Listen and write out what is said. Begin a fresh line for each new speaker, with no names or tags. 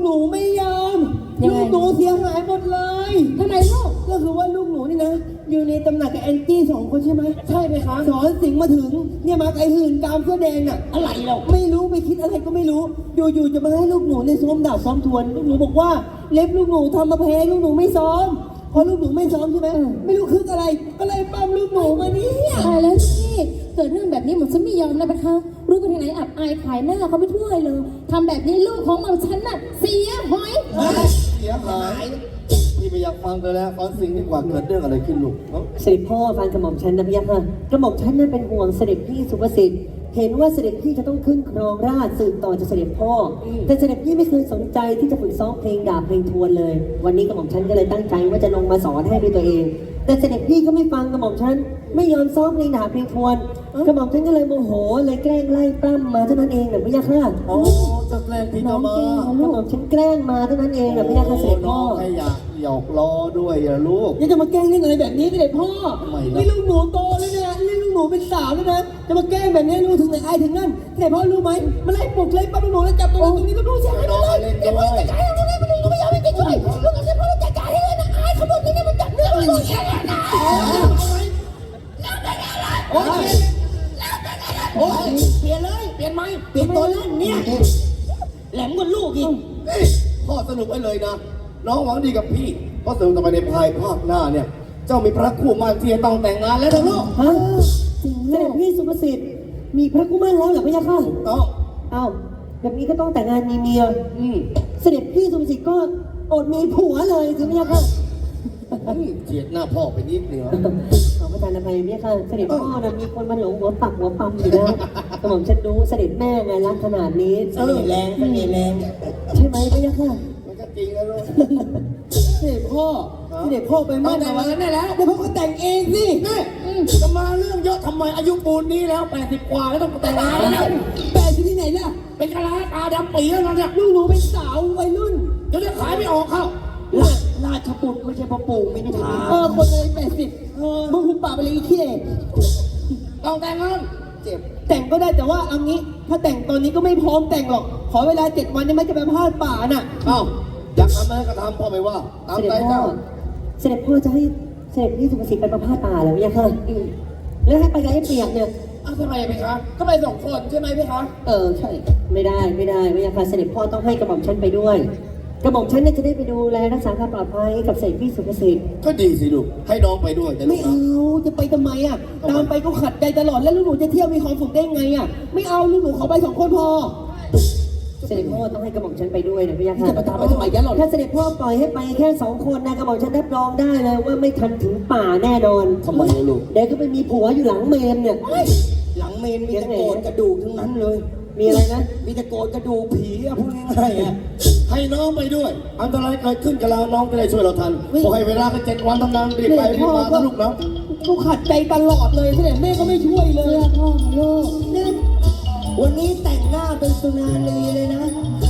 หนูไม่ยอมลูกหนูเสียหายหมดเลย
ทำไมลูก
ก็คือว่าลูกหนูนี่นะอยู่ในตำหนักกับแอนจี้2 คนใช่ไหมใช่ไหมคะสอนสิงมาถึงเนี่ยมาไอ้หื่นกามเสื้อแดงน่ะอะไรเราไม่รู้ไปคิดอะไรก็ไม่รู้อยู่ๆจะมาให้ลูกหนูในซ้อมดาบซ้อมทวนลูกหนูบอกว่าเล็บลูกหนูทำมาแพ้ลูกหนูไม่ซ้อมพอลูกหนูไม่ซ้อมใช่ไหมไม่รู้คึกอะไรก็เลยปั้มลูกหนูมาเนี่ย
ตายแล้วพี่เกิดเรื่องแบบนี้หม่อมฉันไม่ยอมนะนะคะรู้กันที่ไหนอับอายขายหน้าเขาไปทั่วเลยทำแบบนี้ลูกของหม่อมฉันน่ะเสียหอย
เสียหายพี่ไม่อยากฟังกันแล้วฟังสิ่งดีกว่าเกิดเรื่องอะไรขึ้นลูก
เสด็จพ่อฟังกระหม่อมฉันนะพี่ยักษ์ค่ะกระหม่อมฉันนั้นเป็นห่วงเสด็จพี่สุภสิทธิ์เห็นว่าเสด็จพี่จะต้องขึ้นครองราชย์สืบต่อจากเสด็จพ่อแต่เสด็จพี่ไม่เคยสนใจที่จะฝึกซ้อมเพลงดาบเพลงทวนเลยวันนี้กระหม่อมฉันก็เลยตั้งใจว่าจะลงมาสอนให้ด้วยตัวเองแต่เสด็จพี่ก็ไม่ฟังกระหม่อมฉันไม่ยอมซ้อมเพลงดาบเพลงทวนกระหม่อมฉันก็เลยโมโหเลยแกล้งไล่ปล้ำมาเท่านั้นเองนะพี่ยักษ์ค่ะ
โอ้จะแกล้งพี่จะมาก
ระหม่อมฉันแกล้งมาเท่านั้นเองนะพี่ยักษ์ค่ะเสด็จพ่อ
แค่อยากหยอกล้อด้วยอย่าลูก
ยังจะมาแกล้งเล่นอะไรแบบนี้เสด็จพ่อนี่ลูกหนูโตแล้วเนี่ยนี่ลูกหนูเป็นสาวแล้วนะจะมาแกล้งแบบนี้รู้ถึงไหนอายถึงนั่นเสด็จพ่อรู้ไหมมาไล่ปลุกไล่ปั้มลูกหนูแล้วจับตัวตรงนี้ก็รู้ใช่ไหมเลยเสด็จพ่อจัดการให้ตรงนี้มันก็ไม่ยอมให้ช่วยลูกเสด็จพ่อจัดการให้เลยนะอายเขาบอกนี่มันจับเรื่องลูกแค่นั้นนะโอ้ยโอ้ยเปลี่ยนเลยเปลี่ยนไหมเปลี่ยนตัวเล่นเนี่ยแหลมกว่าลูกอีก
พ่อสรุปไว้เลยนะน้องหวังดีกับพี่เพราะสรุปต่อไปในภายภาคหน้าเนี่ยเจ้ามีพระคู่มั่นที่จะต้องแต่งงานแล้วนะลูก
ฮะเสด็จพี่สุภสิทธิ์มีพระคู่มั่นแล้วเหรอพี่ยักษ์ค่ะ
ต้อง
เอ้าแบบนี้ก็ต้องแต่งงานมีเมียเสด็จพี่สุภสิทธิ์ก็อดมีผัวเลยใช่ไหมยักษ์ค่ะ
เจียดหน้าพ่อไปนิดเดียว
ขอประทานอภัยพี่ยักษ์ค่ะเสด็จพ่อนะมีคนมาหลงหัวปักหัวปั๊มอยู่นะกระหม่อมฉันรู้เสด็จแม่ไงรักขนาดนี้
เสน่ห์แรง
ใช่ไหมพี่ยักษ์ค่ะ
มันก็จริงแล้วลูก
เสด็จพ่อไปมั่นแต่วันนั้นได้แล้วเดี๋ยวพ่อก็แต่งเองสิ
นี่จะมาเรื่องเยอะทำไมอายุปูนนี้แล้ว80 กว่าแล้วต้องแต่งงานแล้ว
80ที่ไหนล่ะ
เป็นกะลาตาดำปีแล้วเนี่ย
ลูกหนูเป็นสาววัยรุ่น
จะได้ขายไม่ออกเข้า
ราชบุตรไม่ใช่พ่อปู่ไม่ได้ถามคนเลย80มึงหุบปากไปเลยอีขี้
ต้องแต่งงาน
เจ็บแต่งก็ได้แต่ว่าเอางี้ถ้าแต่งตอนนี้ก็ไม่พร้อมแต่งหรอกขอเวลา7 วันได้ไหมจะไปพาดป่าน่ะ
เอ้าอยากทำอะไรก็ทำพ่อไม่ว่าตามใจเจ้า
เสด็จพ่อจะให้เสด็จพี่สุภสิทธิ์ไปประพาสป่าแล้วเนี่ยค่ะแล้วให้ไปกับไอ้เปียกเนี่ย
ทำไมไหมคะก็ไป2 คนใช่ไหมพี่คะ
ใช่ไม่ได้เนี่ยค่ะเสด็จพ่อต้องให้กระหม่อมฉันไปด้วยกระหม่อมฉันเนี่ยจะได้ไปดูแลรักษาความปลอดภัยกับเสด็จพี่สุภสิทธิ์
ก็ดีสิลูกให้น้องไปด้วย
ไม่เอาจะไปทำไมอ่ะตามไปก็ขัดใจตลอดแล้วลูกหนูจะเที่ยวมีความสุขได้ไงอ่ะไม่เอาลูกหนูขอไป2 คนพอเสด็จพ่อต้องให้กระหม่อมฉันไปด้วยนะพี่ยักษ์
จะตามไปทำไมยันหรอ
ถ้าเสด็จพ่อปล่อยให้ไปแค่2 คนนะกระหม่อมฉันรับรองได้เลยว่าไม่ทันถึงป่าแน่นอน
ทำไมลูก
เดี๋ยวก็ไปมีผัวอยู่หลังเมนเนี่ย
หลังเมนมีแต่โกรธกระดูกทั้งนั้นเลย
มีอะไรนะ
มีแต่โกรธกระดูกผีอะพูดง่ายๆให้น้องไปด้วยอันตรายเกิดขึ้นกับเราน้องก็ได้ช่วยเราทันพอให้เวลากัน7 วันทำงานรีบไปรีบมานะลูกนะ
กูขัดใจตลอดเลยเสด็จแม่ก็ไม่ช่วยเลย
พ่อลูก
วันนี้แต่งหน้าเป็นสุนารีเลยนะ